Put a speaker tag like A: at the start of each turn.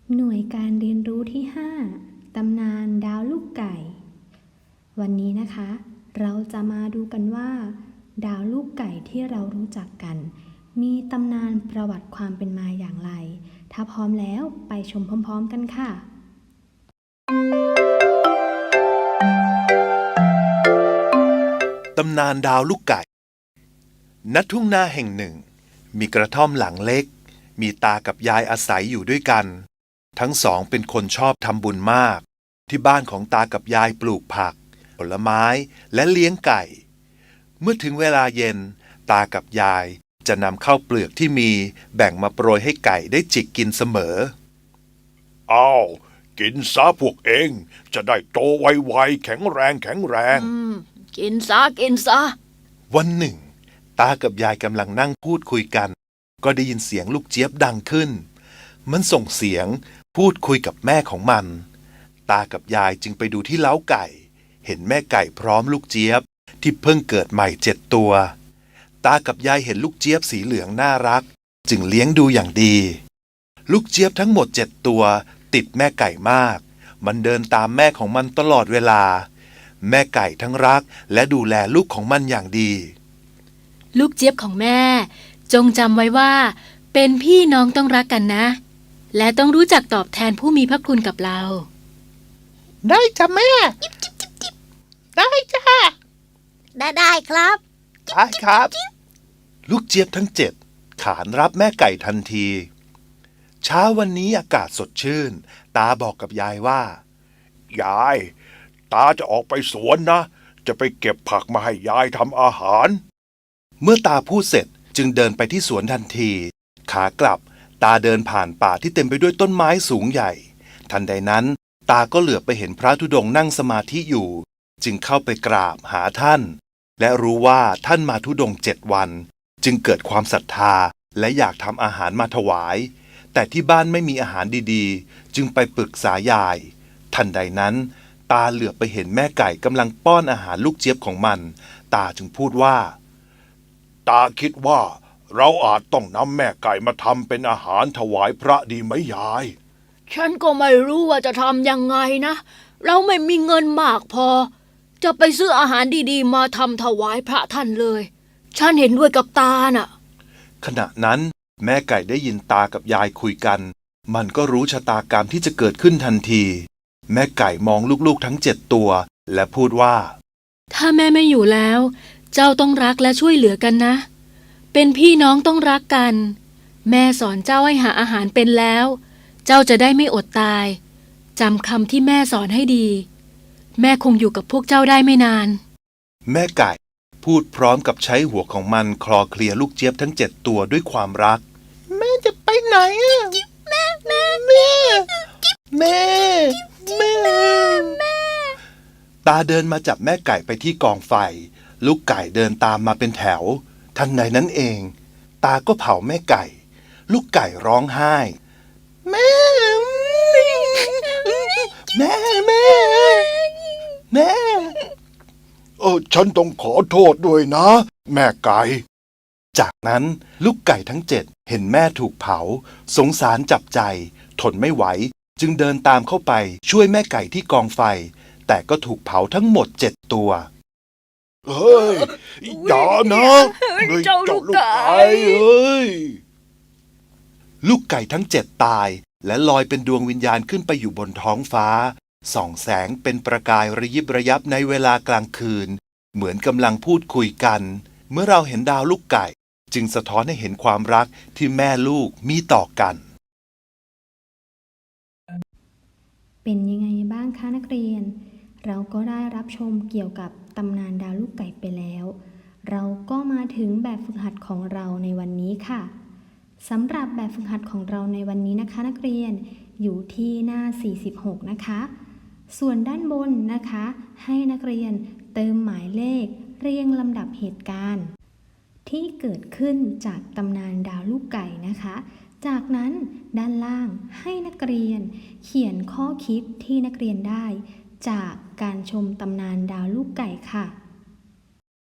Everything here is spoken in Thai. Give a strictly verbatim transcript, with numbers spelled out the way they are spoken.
A: หน่วยการเรียนรู้ที่ห้าตำนานดาวลูกไก่วันนี้นะคะเราจะมาดูกันว่าดาวลูกไก่ที่เรารู้จักกันมีตำนานประวัติความเป็นมาอย่างไรถ้าพร้อมแล้วไปชมพร้อมๆกันค่ะ
B: ตำนานดาวลูกไก่ณทุ่งนาแห่งหนึ่งมีกระท่อมหลังเล็กมีตากับยายอาศัยอยู่ด้วยกันทั้งสองเป็นคนชอบทำบุญมากที่บ้านของตากับยายปลูกผักผลไม้และเลี้ยงไก่เมื่อถึงเวลาเย็นตากับยายจะนำข้าวเปลือกที่มีแบ่งมาโปรยให้ไก่ได้จิกกินเสมออ้าวกินซะพวกเองจะได้โตไวๆแข็งแรงแข็งแรง
C: อืมกินซะกินซะ
B: วันหนึ่งตากับยายกำลังนั่งพูดคุยกันก็ได้ยินเสียงลูกเจี๊ยบดังขึ้นมันส่งเสียงพูดคุยกับแม่ของมันตากับยายจึงไปดูที่เล้าไก่เห็นแม่ไก่พร้อมลูกเจี๊ยบที่เพิ่งเกิดใหม่เจ็ดตัวตากับยายเห็นลูกเจี๊ยบสีเหลืองน่ารักจึงเลี้ยงดูอย่างดีลูกเจี๊ยบทั้งหมดเจ็ดตัวติดแม่ไก่มากมันเดินตามแม่ของมันตลอดเวลาแม่ไก่ทั้งรักและดูแลลูกของมันอย่างดี
C: ลูกเจี๊ยบของแม่จงจำไว้ว่าเป็นพี่น้องต้องรักกันนะและต้องรู้จักตอบแทนผู้มีพระคุณกับเรา
D: ได้จ้ะแม่จิ๊บจิ๊บจิ๊บจิ๊บได้จ้ะ
E: ได้ได้ครับ
D: ได้ครับ
B: ลูกเจี๊ยบทั้งเจ็ดขานรับแม่ไก่ทันทีเช้าวันนี้อากาศสดชื่นตาบอกกับยายว่ายายตาจะออกไปสวนนะจะไปเก็บผักมาให้ยายทำอาหารเมื่อตาพูดเสร็จจึงเดินไปที่สวนทันทีขากลับตาเดินผ่านป่าที่เต็มไปด้วยต้นไม้สูงใหญ่ทันใดนั้นตาก็เหลือบไปเห็นพระธุดงค์นั่งสมาธิอยู่จึงเข้าไปกราบหาท่านและรู้ว่าท่านมาธุดงค์เจ็ดวันจึงเกิดความศรัทธาและอยากทำอาหารมาถวายแต่ที่บ้านไม่มีอาหารดีๆจึงไปปรึกษายายทันใดนั้นตาเหลือบไปเห็นแม่ไก่กำลังป้อนอาหารลูกเจี๊ยบของมันตาจึงพูดว่าตาคิดว่าเราอาจต้องนำแม่ไก่มาทำเป็นอาหารถวายพระดีไหมยาย
C: ฉันก็ไม่รู้ว่าจะทำยังไงนะเราไม่มีเงินมากพอจะไปซื้ออาหารดีๆมาทำถวายพระท่านเลยฉันเห็นด้วยกับตาน่ะ
B: ขณะนั้นแม่ไก่ได้ยินตากับยายคุยกันมันก็รู้ชะตากรรมที่จะเกิดขึ้นทันทีแม่ไก่มองลูกๆทั้งเจ็ดตัวและพูดว่า
C: ถ้าแม่ไม่อยู่แล้วเจ้าต้องรักและช่วยเหลือกันนะเป็นพี่น้องต้องรักกันแม่สอนเจ้าให้หาอาหารเป็นแล้วเจ้าจะได้ไม่อดตายจำคำที่แม่สอนให้ดีแม่คงอยู่กับพวกเจ้าได้ไม่นาน
B: แม่ไก่พูดพร้อมกับใช้หัวของมันคลอเคลียลูกเจี๊ยบทั้งเจ็ดตัวด้วยความรัก
D: แม่จะไปไหนอ่ะแม่แม่แม่แม่แม่แม่
B: ตาเดินมาจับแม่ไก่ไปที่กองไฟลูกไก่เดินตามมาเป็นแถวทันใดนั้นเองตาก็เผาแม่ไก่ลูกไก่ร้องไห้
D: แม่แม่แม่แม่
B: เออฉันต้องขอโทษด้วยนะแม่ไก่จากนั้นลูกไก่ทั้งเจ็ดเห็นแม่ถูกเผาสงสารจับใจทนไม่ไหวจึงเดินตามเข้าไปช่วยแม่ไก่ที่กองไฟแต่ก็ถูกเผาทั้งหมดเจ็ดตัวเฮ้ยอย่านะ
C: เจ้าลูกไก่
B: เอ้ยลูกไก่ทั้งเจ็ดตายและลอยเป็นดวงวิญญาณขึ้นไปอยู่บนท้องฟ้าส่องแสงเป็นประกายระยิบระยับในเวลากลางคืนเหมือนกำลังพูดคุยกันเมื่อเราเห็นดาวลูกไก่จึงสะท้อนให้เห็นความรักที่แม่ลูกมีต่อกัน
A: เป็นยังไงบ้างคะนักเรียนเราก็ได้รับชมเกี่ยวกับตำนานดาวลูกไก่ไปแล้วเราก็มาถึงแบบฝึกหัดของเราในวันนี้ค่ะสำหรับแบบฝึกหัดของเราในวันนี้นะคะนักเรียนอยู่ที่หน้าสี่สิบหกนะคะส่วนด้านบนนะคะให้นักเรียนเติมหมายเลขเรียงลำดับเหตุการณ์ที่เกิดขึ้นจากตำนานดาวลูกไก่นะคะจากนั้นด้านล่างให้นักเรียนเขียนข้อคิดที่นักเรียนได้จากการชมตำนานดาวลูกไก่ค่ะ